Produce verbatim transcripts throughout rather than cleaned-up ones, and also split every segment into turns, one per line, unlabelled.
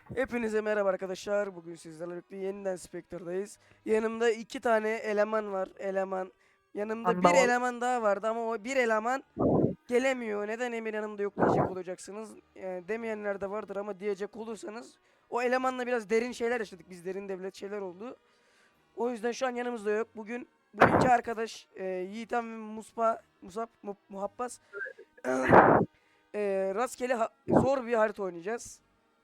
Hepinize merhaba arkadaşlar. Bugün sizlerle birlikte yeniden Spectre'dayız. Yanımda iki tane eleman var. Eleman. Yanımda bir
Anlamadım.
eleman daha vardı ama o bir eleman gelemiyor. Neden Emir yanımda yok diyecek olacaksınız. Yani demeyenler de vardır ama diyecek olursanız o elemanla biraz derin şeyler yaşadık. Biz derin devlet şeyler oldu. O yüzden şu an yanımızda yok. Bugün bu iki arkadaş e, Yiğitan ve Muspa, Musab, Mu- Muhabbas e, rastgele ha- zor bir harita oynayacağız.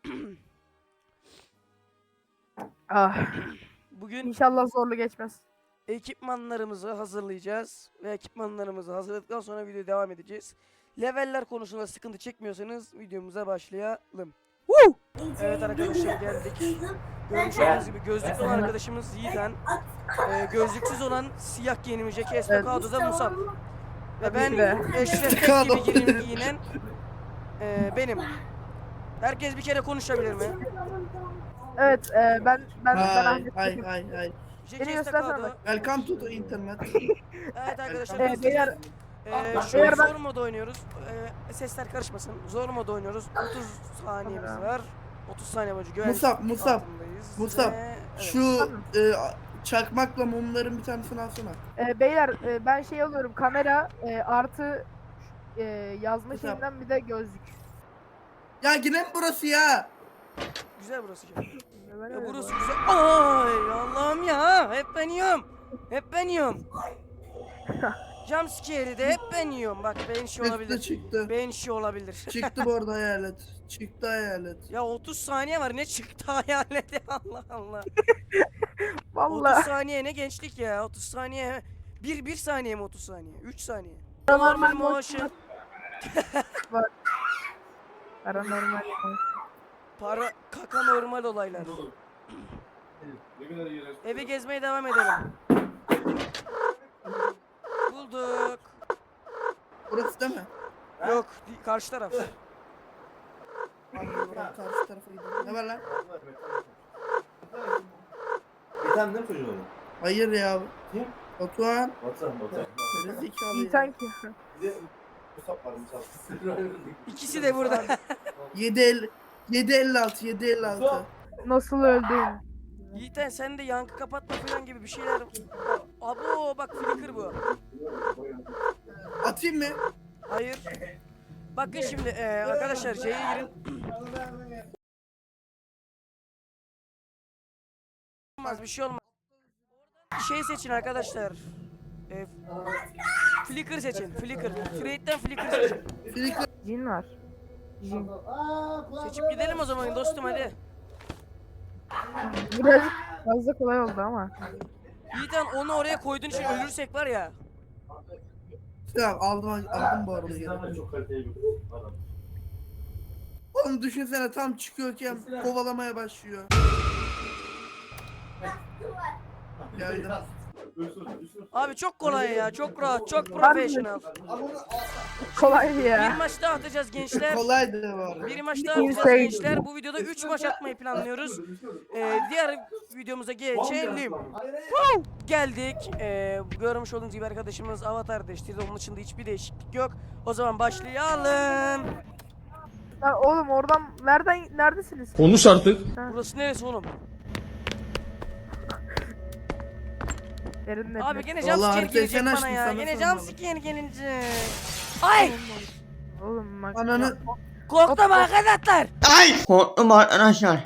Ah,
Bugün
inşallah zorlu geçmez.
ekipmanlarımızı hazırlayacağız ve ekipmanlarımızı hazırladıktan sonra video devam edeceğiz. Leveller konusunda sıkıntı çekmiyorsanız videomuza başlayalım. Woo! Evet arkadaşlar geldik. Görmüş olduğunuz gibi gözlüklü olan arkadaşımız Yiğiten. Ee, gözlüksüz olan siyah giyinimci Estacado'da Musab. Ve ben
ki de.
Eşref Tek gibi giyin- giyinen e, benim. Herkes bir kere konuşabilir mi?
Evet, e, ben ben ben
Hi,
Ahmet.
hi, hi, hi.
Jack
Beni
Estacado.
göstersene.
Welcome to the internet.
Evet arkadaşlar
Ee,
biz
beyler,
Ee, şu an
Beyler ben-
zor moda oynuyoruz. Ee, sesler karışmasın. Zor moda oynuyoruz. otuz saniyemiz var. otuz saniye boyunca güvenlik
Musab, Musab,
altındayız.
Musab.
Ve- evet.
Şu e, çakmakla mumların bir tanesini alsana.
E, beyler e, ben şey alıyorum, kamera e, artı e, yazma
Güzel.
şeyinden bir de gözlük.
Ya yine mi burası ya?
Güzel burası. Canım.
Ben
Ya
öyle
burası
bu arada.
güzel. Ay Allah'ım ya. Hep ben yiyorum. Hep ben yiyorum. Jumpscare'i de hep ben yiyorum. Bak beyin işi
Çıktı
olabilir.
çıktı.
Beyin işi olabilir.
Çıktı bu arada hayalet. Çıktı hayalet.
Ya otuz saniye var. Ne çıktı hayaleti Allah Allah. otuz
Vallahi.
saniye ne gençlik ya. otuz saniye. Bir, bir saniye mi otuz saniye? üç saniye.
Paranormal
Normal motion.
Paranormal.
Para kaka normal olaylar. Evi gezmeye devam edelim. Bulduk.
Burası değil mi?
Yok, di- karşı taraf.
Abi bırak karşı tarafa gidelim. Ne var lan?
Bir tane değil mi çocuğun adı?
Hayır ya.
Kim?
Batuhan.
Batuhan, Batuhan.
Böyle zekalı
İyi
ya.
sanki.
Bir de Musab var, Musab.
İkisi de burada.
yedi elli yedi elli altı yedi elli altı.
Nasıl öldün?
Yiğiten sen de yankı kapatma falan gibi bir şeyler. Abo bak flicker bu.
Atayım mı?
Hayır. Bakın şimdi eee, arkadaşlar şeye girin. Olmaz bir şey olmaz. Şey seçin arkadaşlar. Eee flicker seçin. Flicker. Trade'den flicker seçin.
Flicker.
Cin var. Cin.
Seçip gidelim o zaman dostum hadi.
Biraz fazla kolay oldu ama.
Yiğiten onu oraya koyduğun için ölürsek var ya.
Ya aldım aldım bu arada geri.
İnsanlar çok kaliteli bir adam.
Oğlum düşünsene tam çıkıyorken kovalamaya başlıyor. Geldim.
Abi çok kolay ya. Çok rahat. Çok professional.
Kolay
Bir
ya.
maç daha atacağız gençler.
Kolaydı bu arada.
Bir maç daha atacağız
Insane.
gençler. Bu videoda üç maç atmayı planlıyoruz. Ee, diğer videomuza geçelim. Geldik. Ee, görmüş olduğunuz gibi arkadaşımız avatar değiştirdi. Onun dışında hiçbir değişiklik yok. O zaman başlayalım.
Lan oğlum oradan nereden neredesiniz?
Konuş artık.
Burası neresi oğlum?
Derinle.
Abi gene
Vallahi
jumpscare
haritayı
gelecek
sen
bana
açtın,
ya.
sana
Gene
sormalı.
jumpscare gelince. Ay!
Oğlum bak.
Ananı
Korktum arkadaşlar.
Korktum arkadaşlar.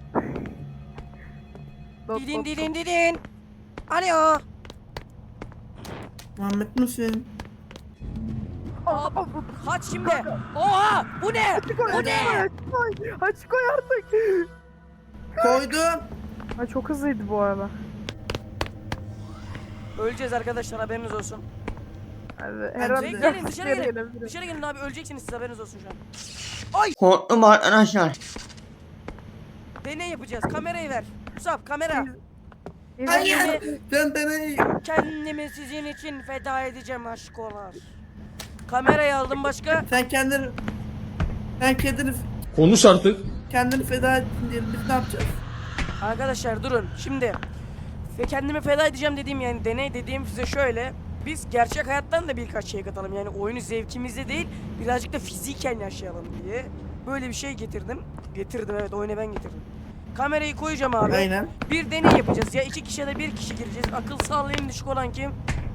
Dot,
Didin
dot,
didin didin. Alo.
Muhammed misin?
Abi, kaç şimdi. Oha! Bu ne? Bu ne?
Açık koy. Açık koy artık.
Koydum.
Ha, çok hızlıydı bu arada.
Öleceğiz arkadaşlar haberiniz olsun.
Hadi, her an
Gelin,
bir
gelin, dışarı
yere
gelin.
gelebilirim.
Dışarı gelin abi öleceksiniz siz haberiniz olsun şu an.
Korktum arkadaşlar.
Deney yapacağız. Kamerayı ver. Musab kamera.
Bir-
Hayır. Sen beni
Kendimi sizin için feda edeceğim aşkolar. Kamerayı aldım başka.
sen kendini sen kendini
Konuş artık.
kendini feda ettin diyelim. Biz ne yapacağız?
Arkadaşlar durun. Şimdi ve kendimi feda edeceğim dediğim yani deney dediğim size şöyle. Biz gerçek hayattan da birkaç şey katalım. Yani oyunu zevkimizde değil birazcık da fiziken yaşayalım diye. böyle bir şey getirdim. Getirdim evet, oyuna ben getirdim. Kamerayı koyacağım abi.
Aynen.
Bir deney yapacağız. Ya iki kişi ya da bir kişi gireceğiz. Akıl sağlığı en düşük olan kim?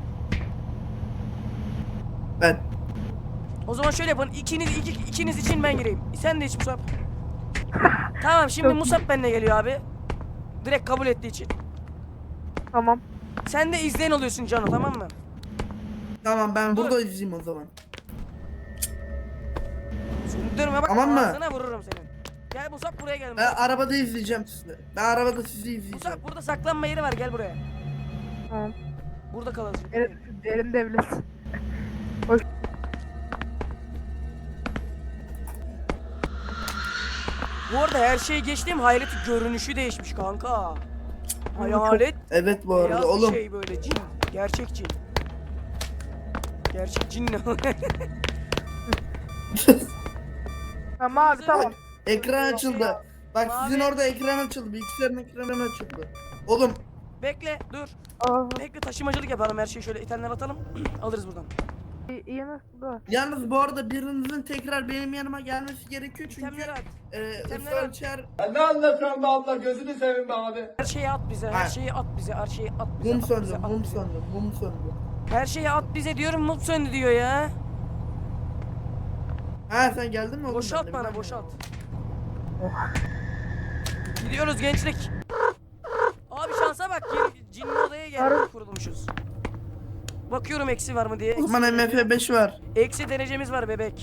Ben.
O zaman şöyle yapın. İkiniz, iki, ikiniz için ben gireyim. Sen de iç Musab. Tamam şimdi Musab benimle geliyor abi. Direkt kabul ettiği için.
Tamam.
Sen de izleyen oluyorsun Cano, tamam mı?
Tamam ben
Dur.
burada izleyeyim o zaman.
Sündürme bak,
Tamam mı?
ağzına vururum senin. Gel Musab, buraya gel
Ben
Musab.
arabada izleyeceğim sizi. Ben arabada sizi izleyeceğim.
Musab burada saklanma yeri var, gel buraya.
Tamam.
Burada kalalım.
Derin, derin devlet.
Bu arada her şeyi geçtim, hayaletin görünüşü değişmiş kanka. Hayalet
Evet bu
beyaz
arada
bir
oğlum.
şey böyle, cin. Gerçek cin. Gerçek cin ne?
Tamam abi tamam.
Ekran açıldı. Bak
Mavi.
sizin orada ekran açıldı. Bilgisayarın ekranı açıldı. Oğlum
Bekle dur.
Aa,
Bekle, taşımacılık yapalım, her şeyi şöyle itenler atalım. Alırız buradan.
iyi, iyi nasıl da?
yalnız bu arada birinizin tekrar benim yanıma gelmesi gerekiyor çünkü
İtemleri at.
e,
İtemleri at.
Searcher
Ne anlatıyorsun be abla, gözünü seveyim be abi.
Her şeyi at bize, her
Ha.
şeyi at bize, her şeyi at bize.
mum
at bize,
söndü,
at
mum
bize.
söndü, mum söndü.
Her şeyi at bize diyorum, mum söndü diyor ya.
Ha sen geldin mi oğlum?
Boşalt
benimle?
bana,
Ben-
boşalt. Gidiyoruz gençlik. Abi şansa bak, yeni cinli odaya geldik, kurulmuşuz. Bakıyorum eksi var mı diye.
O zaman M F beş var.
Eksi derecemiz var bebek.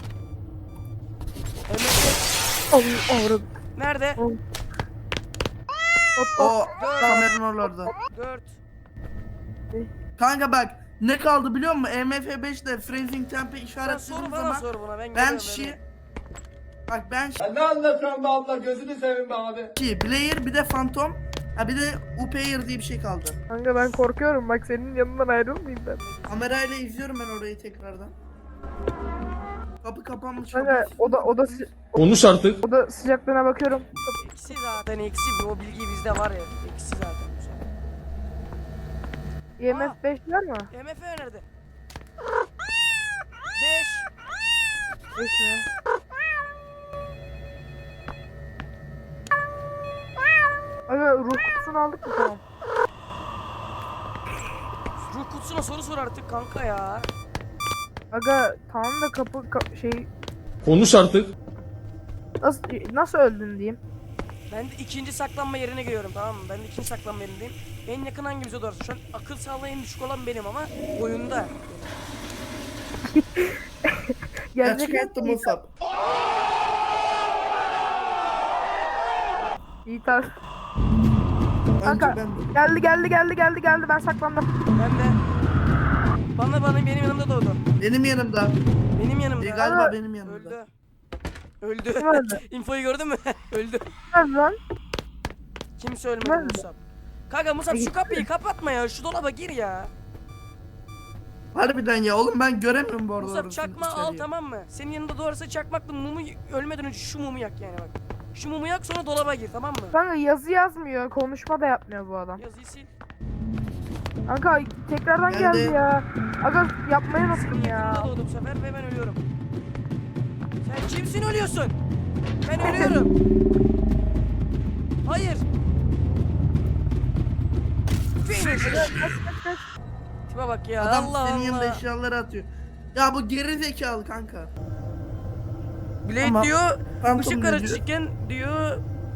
M F
Oh, avradım.
nerede?
Hop hop.
O kameranın oralarda.
dört.
Kanka bak ne kaldı biliyor musun? M F beş ile Freezing Temp'e
Sen
işaretlediğim
soru bana
zaman
sor buna, ben
ben
geliyorum
şi
bebeğim.
Bak ben şi,
Ne anlatıyorsun be abla, gözünü seveyim be abi.
Player bir de Phantom, ha bir de Upayer diye bir şey kaldı.
Kanka ben korkuyorum bak senin yanından ayrılmayayım ben.
Kamerayla izliyorum ben orayı tekrardan. Kapı kapanmış.
Kanka
kapı-
o da o da sı-
Konuş artık.
o da sıcaklığına bakıyorum.
Eksi zaten, eksi bir, o bilgi bizde var ya. Eksi zaten.
E M F beş var mı?
M F nerede? beş.
beş mi? Aga ruh kutusunu aldık mı tamam?
Ruh kutusuna soru sor artık kanka ya.
Aga tamam da kapı ka- şey
Konuş artık.
nasıl nasıl öldün diyeyim.
Ben de ikinci saklanma yerine giriyorum, tamam mı? Ben de ikinci saklanma yerindeyim. En yakın hangimize doğru? Şu an akıl sağlığı en düşük olan benim ama oyunda.
Gelecek
Gerçek attım Musab.
İyi tar.
Bence
Kanka
ben de.
geldi geldi geldi geldi geldi ben saklandım.
Ben de. Bana bana benim yanımda doğdu.
Benim yanımda.
Benim yanımda.
E, galiba
Ama-
benim yanımda.
Öldü. Öldü.
Kim öldü?
İnfoyu gördün mü? Öldü.
Nerede lan?
Kimse ölmedi
Nerede?
Musab. Kanka Musab şu kapıyı kapatma ya. Şu dolaba gir ya.
Harbiden ya oğlum ben göremiyorum bu arada.
Musab
orasını
çakma al,
içeriği.
tamam mı? Senin yanında doğarsa çakmakla mumu ölmeden önce şu mumu yak yani bak. Şu mumu yak, sonra dolaba gir, tamam mı?
Kanka yazı yazmıyor, konuşma da yapmıyor bu adam.
Yazıyı sil.
Kanka tekrardan
Geldi.
geldi ya. Aga yapmayı unuttum
Senin
ya.
yakınında doğdu bu sefer ve ben ölüyorum. Sen kimsin, ölüyorsun? Ben ölüyorum. Hayır. Finish. Tipe bak ya,
Adam
Allah
senin yanında
Allah.
eşyaları atıyor. Ya bu geri zekalı kanka.
Blade
Ama-
diyor,
Phantom
ışık
ne
aracı
diyor?
çıkken diyor,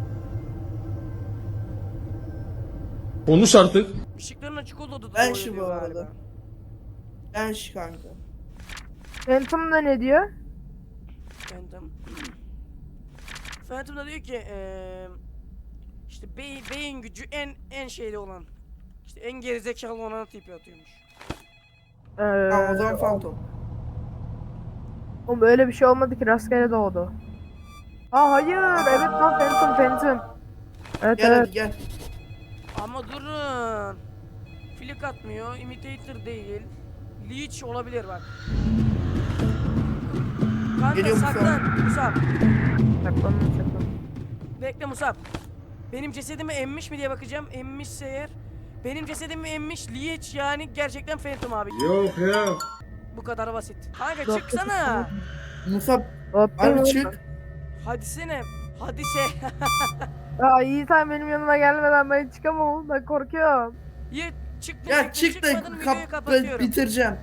Konuş artık.
ışıkların açık olduğu da
Ben
doğuyor
şu
diyor
bu arada.
galiba.
Ben şu kanka.
Phantom da ne diyor?
Phantom. Phantom da diyor ki eee işte beyin, beyin gücü en en şeyli olan, işte en gerizekalı olan tipi atıyormuş.
Ee,
Tamam o zaman Phantom.
Oğlum öyle bir şey olmadı ki rastgele doğdu. Aa hayır evet lan Phantom Phantom. Evet
Gel
evet.
hadi gel.
Ama durun. Flick atmıyor, imitator değil. Leech olabilir bak. Kanka
Geliyor Musab.
saklan Musab.
Saklandım saklandım.
Bekle Musab. Benim cesedimi emmiş mi diye bakacağım. Emmişse eğer. Benim cesedimi emmiş Leech, yani gerçekten Phantom abi.
Yok yok.
Bu kadar basit. Kanka
Yok,
çıksana.
Musab
Hop,
harbi
hop.
çık.
Hadi sene. Hadi se.
Ya iyi sen benim yanıma gelmeden ben çıkamam. Ben korkuyorum.
Ye çık
Ya
diyecektim,
çık da
çıkmadın, videoyu
kap
kapatıyorum.
bitireceğim.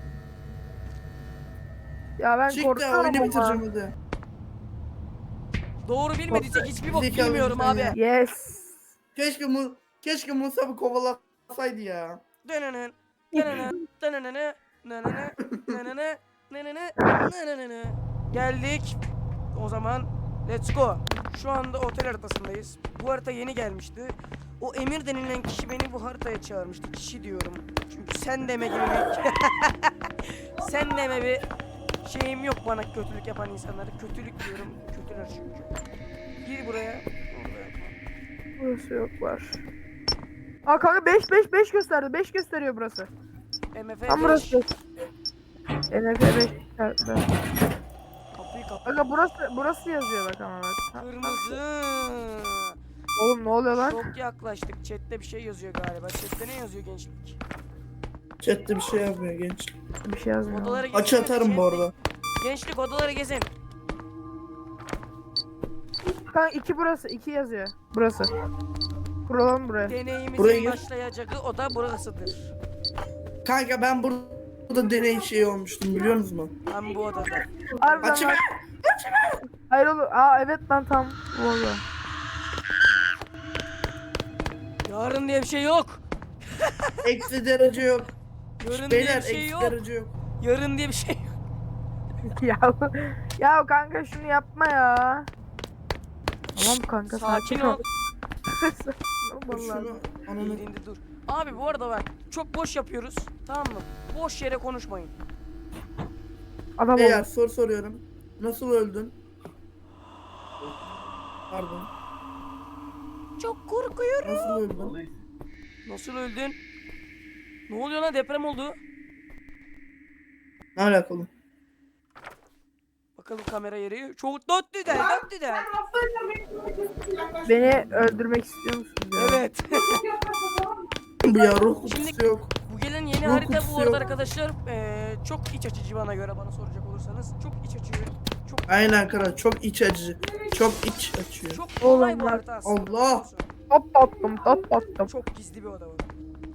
Ya ben
Çık da
korkuyorum
oyunu
ama.
bitireceğim hadi.
Doğru bilmediysek hiçbir bok
Zekalı
bilmiyorum
insan
abi.
ya.
Yes.
Keşke mu keşke Musab'ı kovalasaydı ya.
Dönönün, dönönün, dönönünü, nönönü, nönönü, nönönü, nönönü. Geldik. O zaman let's go. Şu anda otel haritasındayız. Bu harita yeni gelmişti. O Emir denilen kişi beni bu haritaya çağırmıştı. Kişi diyorum. Çünkü sen deme gibi bir... sen deme bir şeyim yok bana kötülük yapan insanlara. Kötülük diyorum. Kötüler çünkü. Gir buraya.
Burası yok var. Aa kanka beş beş beş gösterdi. beş gösteriyor burası.
M F
Tam
beş.
burası. N F beş.
Kapıyı kapat.
Kanka burası burası yazıyor bak ama bak. Ha,
Kırmızı.
Oğlum ne oluyor lan?
Çok yaklaştık. Chat'te bir şey yazıyor galiba. Chat'te ne yazıyor gençlik?
Chatte bir şey yapmıyor genç.
Bir şey yazmıyor.
Odaları gezin.
Aç atarım bu arada.
Gençlik odaları gezin.
Kanka iki burası. iki yazıyor. Burası. Kuralım buraya.
Deneyimizin
Buraya gir.
başlayacağı oda burasıdır.
Kanka ben bur- burada deney şeyi olmuştum biliyor musunuz?
Ben bu odada.
Harbiden
Açma.
lan. Hayır oğlum. Aa evet lan tam. Valla.
Yarın diye bir şey yok.
Eksi derece yok.
Yarın diye
Beyler
bir şey
eksi
yok.
derece yok.
Yarın diye bir şey yok.
ya ya kanka şunu yapma ya. Tamam kanka
Sakin ol.
Sakin ol
Dur
vallahi.
şunu ananı.
Elinde dur. Abi bu arada bak çok boş yapıyoruz. Tamam mı? Boş yere konuşmayın.
Adam
Beyler
oldu.
soru soruyorum. Nasıl öldün? Pardon.
Çok korkuyorum.
Nasıl öldün?
Nasıl öldün? Ne oluyor lan, deprem oldu.
Ne alakalı?
Bakalım kamera yeri. Çok dört düden, dört düden.
Beni öldürmek istiyor musun? diyor.
Evet.
Bu ya ruh
Şimdi-
kutusu yok.
Bu gelen yeni
Yok,
harita bu
kutusu
arada
yok.
arkadaşlar eee, çok iç açıcı bana göre, bana soracak olursanız. Çok iç açıcı. Çok
Aynen kral çok iç acı. Çok iç açıyor.
çok kolay
Oğlum
bu
lan,
harita aslında.
Allah!
biliyor musun?
Top attım top attım.
Çok gizli bir oda var.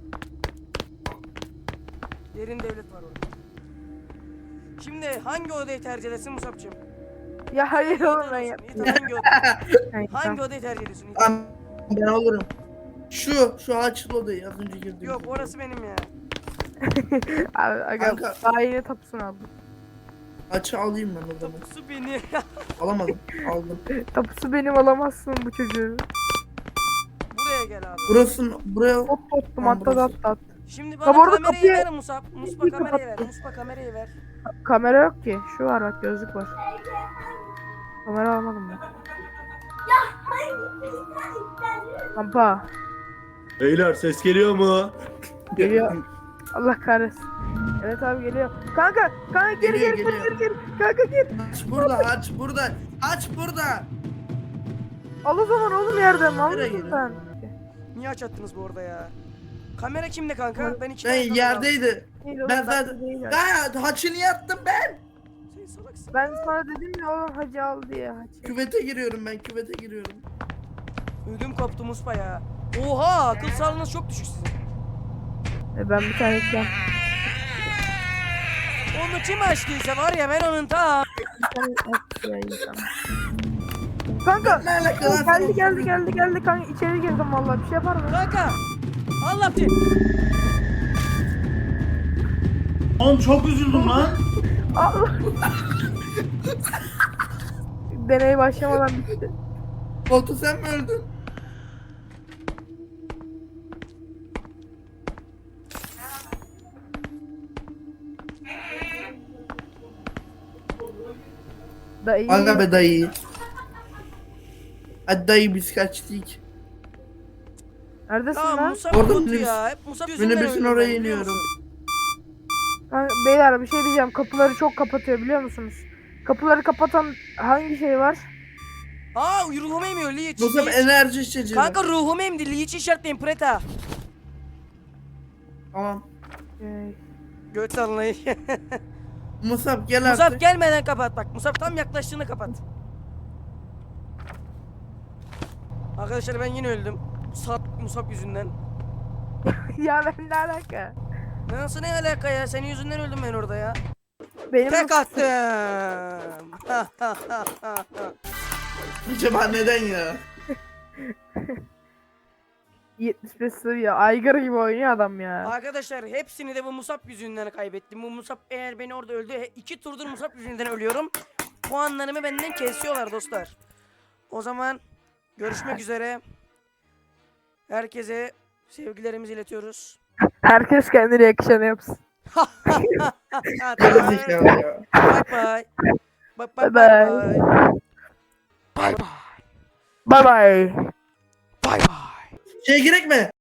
Derin devlet var orada. Şimdi hangi odayı tercih edersin Musab'cığım?
Ya hayır oğlum ben
Yiğit
yapmayacağım.
hangi odayı?
Hayır,
Hangi
tamam.
odayı tercih ediyorsun? Yiğit?
Ben, ben olurum. Şu, şu açılı odayı az önce girdim.
Yok orası benim ya.
Abi, aga,
Kanka.
daha yeni tapusunu aldım.
Açı alayım ben o zaman.
Su beni.
Alamadım. Aldım.
Tapusu benim alamazsın bu çocuğu.
Buraya gel abi.
Burası buraya
Tot tuttum
Tamam,
hatta
burası.
at at.
Şimdi
Ha,
bana
bu arada
kamerayı
kapıyı-
ver Musab. Muspa kamerayı ver. Muspa kamerayı ver.
Kamera yok ki. Şu var bak gözlük var. Kamera almadım ben. Kampa.
Beyler ses geliyor mu?
Geliyor. Allah kahretsin. Evet abi geliyor. Kanka, kanka gir
Geliyor,
gir gir
geliyor.
gir gir. Kanka gir.
aç burada aç burada. Aç burada.
Al o zaman oğlum yerden. Al
Nereye
mısın
girin?
sen?
Niye aç attınız bu arada ya? Kamera kimde kanka? Ben iki
Ben
tane kamera aldım.
yerdeydi.
Değil oğlum,
Ben
ben
zaten
değil ya.
ya haçını yattım ben.
Sen salaksın.
Ben sana dedim ya oğlum hacı al diye hacı.
Küvete giriyorum ben küvete giriyorum.
Ödüm koptu Muspa ya. Oha, akıl sağlığınız çok düşük sizin.
E ben bir tane ekledim.
Onu kim açtıysa var ya, ben onun ta.
Kanka.
Ne alaka lan
Geldi
sen?
geldi geldi geldi kanka içeri girdim vallahi bir şey yapar mı?
Kanka. Allah bir.
Oğlum çok üzüldüm lan.
Allah. Deney başlamadan bitti.
Koltuğu sen mi öldün?
Dayı.
Aga be dayı. Hadi dayı biz kaçtık.
Neredesin
Tamam
lan?
Musa
Orada
kötü
minibüs-
ya. Hep Musa yüzünden
Minibüsün
öldüm ben,
oraya
biliyor
iniyorum.
musun?
Kanka, beyler bir şey diyeceğim. Kapıları çok kapatıyor biliyor musunuz? Kapıları kapatan hangi şey var?
Aa, ruhumu emiyor Liç.
Musab
Liç.
enerji içeceği.
Kanka ruhumu emdi. Liç işaretleyin Preta.
Tamam.
Ee,
Göt sallayı.
Musab gel
Musab
artık.
gelmeden kapat bak. Musab tam yaklaştığında kapat. Arkadaşlar ben yine öldüm. Sat Musab yüzünden.
Ya ben ne alaka?
Nasıl ne alaka ya? Senin yüzünden öldüm ben orada ya.
Benim
Tek attım.
Acaba neden ya?
yetmiş beş seviye aygır gibi oynuyor adam ya.
Arkadaşlar hepsini de bu Musab yüzünden kaybettim. Bu Musab eğer beni orada öldü. he- iki turdur Musab yüzünden ölüyorum. Puanlarımı benden kesiyorlar dostlar. O zaman görüşmek üzere. Herkese sevgilerimizi iletiyoruz.
Herkes kendine yakışanı yapsın.
Böyle zekalı ya.
Bye bye. Bye bye
Bye
bye.
bye. Bye bye.
Bye bye.
Şeye girek mi?